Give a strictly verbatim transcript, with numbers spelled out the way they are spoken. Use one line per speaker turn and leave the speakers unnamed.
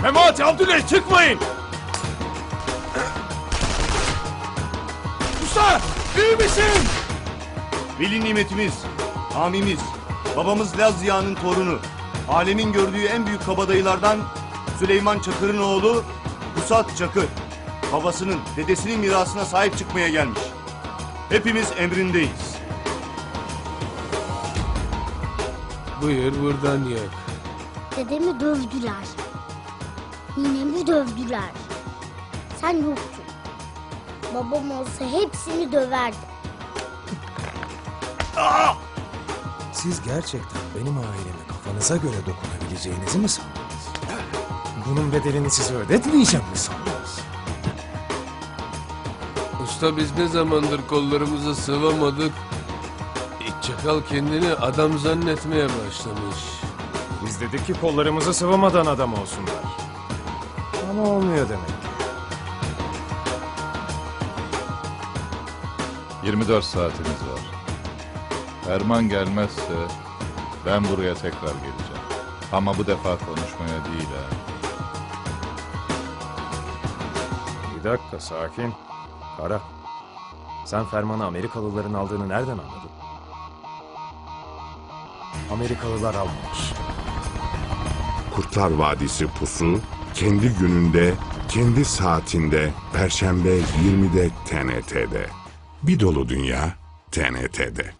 Memati, Abdüley çıkmayın! Usta, iyi misin?
Veli nimetimiz, hamimiz, babamız Laz Ziya'nın torunu, alemin gördüğü en büyük kabadayılardan Süleyman Çakır'ın oğlu Pusat Çakır, babasının, dedesinin mirasına sahip çıkmaya gelmiş. Hepimiz emrindeyiz.
Buyur buradan yak.
Dedemi dövdüler. Ninemi dövdüler. Sen yoktun. Babam olsa hepsini döverdi.
Siz gerçekten benim aileme kafanıza göre dokunabileceğinizi mi sandınız? Bunun bedelini size ödetmeyeceğim mi sandınız?
Usta biz ne zamandır kollarımıza sıvamadık. İç çakal kendini adam zannetmeye başlamış.
Biz dedik ki kollarımızı sıvamadan adam olsunlar. Ama olmuyor demek ki.
yirmi dört saatiniz var. Ferman gelmezse ben buraya tekrar geleceğim. Ama bu defa konuşmaya değil ha.
Bir dakika sakin. Kara. Sen fermanı Amerikalıların aldığını nereden anladın? Amerikalılar almamış.
Kurtlar Vadisi Pusu kendi gününde, kendi saatinde Perşembe yirmide T N T'de. Bir dolu dünya T N T'de.